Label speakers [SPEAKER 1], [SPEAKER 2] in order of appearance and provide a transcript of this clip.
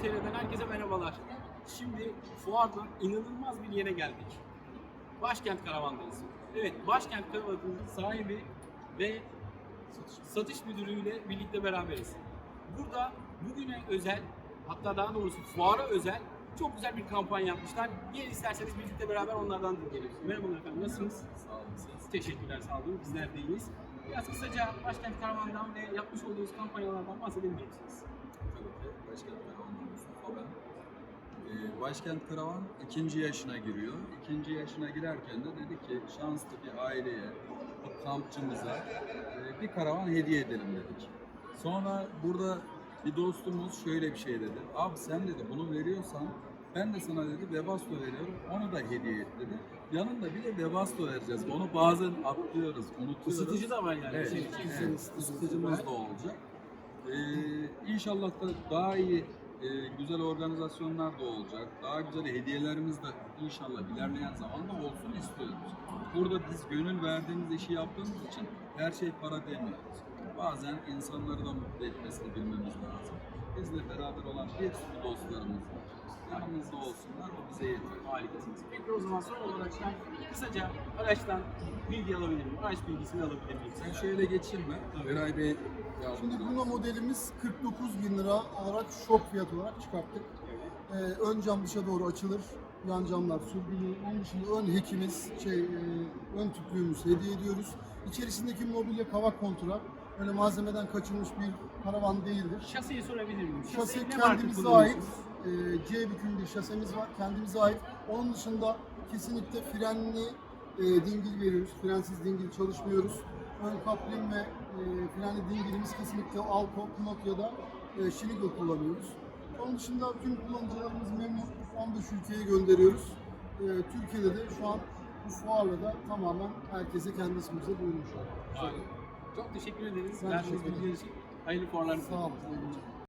[SPEAKER 1] TR'den herkese merhabalar. Şimdi fuardan inanılmaz bir yere geldik. Başkent Karavan'dayız. Evet, Başkent Karavan'ın sahibi ve satış müdürüyle birlikte beraberiz. Burada bugüne özel, hatta daha doğrusu fuara özel çok güzel bir kampanya yapmışlar. Gelin isterseniz birlikte beraber onlardan dinleyelim. Merhabalar efendim, nasılsınız?
[SPEAKER 2] Sağ olun siz.
[SPEAKER 1] Teşekkürler, sağ olun. Bizler de iyiyiz. Biraz kısaca Başkent Karavan'dan ve yapmış olduğunuz kampanyalardan bahsedebilir misiniz?
[SPEAKER 2] Tabii ki Başkent Karavan'dan Mustafa ben. Başkent Karavan 2. yaşına giriyor. 2. yaşına girerken de dedik ki şanslı bir aileye, bir kampçımıza bir karavan hediye edelim dedik. Sonra burada bir dostumuz şöyle bir şey dedi. Abi sen dedi bunu veriyorsan ben de sana dedi Webasto veriyorum. Onu da hediye et dedi. Yanında bir de Webasto vereceğiz. Onu bazen atlıyoruz, unutuyoruz.
[SPEAKER 1] Isıtıcı da var yani.
[SPEAKER 2] Evet,
[SPEAKER 1] Şey,
[SPEAKER 2] ısıtıcımız da olacak. İnşallah da daha iyi, güzel organizasyonlar da olacak. Daha güzel hediyelerimiz de inşallah ilerleyen zamanda olsun istiyoruz. Burada biz gönül verdiğimiz işi yaptığımız için her şey para demiyoruz. Bazen insanları da mutlu etmesini bilmemiz lazım. Bizle beraber olan bir sürü dostlarımız var. Yanımızda olsunlar, o bize yeter.
[SPEAKER 1] Harikasınız. Peki o zaman son olarak ben kısaca araçtan bilgi alabilir miyim? Araç bilgisini alabilir miyim?
[SPEAKER 2] Sen şöyle geçirme. Eray Bey
[SPEAKER 3] Şimdi
[SPEAKER 2] yardımcı
[SPEAKER 3] Bruno
[SPEAKER 2] olsun.
[SPEAKER 3] modelimiz 49.000 lira olarak şok fiyat olarak çıkarttık. Ön cam dışa doğru açılır. Yan camlar sürgülü. Onun dışında ön hekimiz, ön tüplüğümüz hediye ediyoruz. İçerisindeki mobilya kavak kontura. Öyle malzemeden kaçılmış bir karavan değildir.
[SPEAKER 1] Şasiyi sorabilir miyim?
[SPEAKER 3] Şase
[SPEAKER 1] ne marka
[SPEAKER 3] kendimize ait.
[SPEAKER 1] kullanıyorsunuz?
[SPEAKER 3] C büküm bir şasemiz var. Kendimize ait. Onun dışında kesinlikle frenli dingil veriyoruz. Frensiz dingil çalışmıyoruz. Ön kaplim ve frenli dingilimiz kesinlikle Alco, Knot ya da Schlegel kullanıyoruz. Onun dışında tüm kullanıcılarımız memnun. 15 ülkeye gönderiyoruz. Türkiye'de de şu an bu fuarla da tamamen herkese kendi ismimize duyurmuş olduk.
[SPEAKER 1] Çok teşekkür ederiz.
[SPEAKER 3] Ben
[SPEAKER 1] Verdiğiniz
[SPEAKER 3] teşekkür ederim.
[SPEAKER 1] bilgiler için hayırlı fuarlar.
[SPEAKER 3] Sağ olun.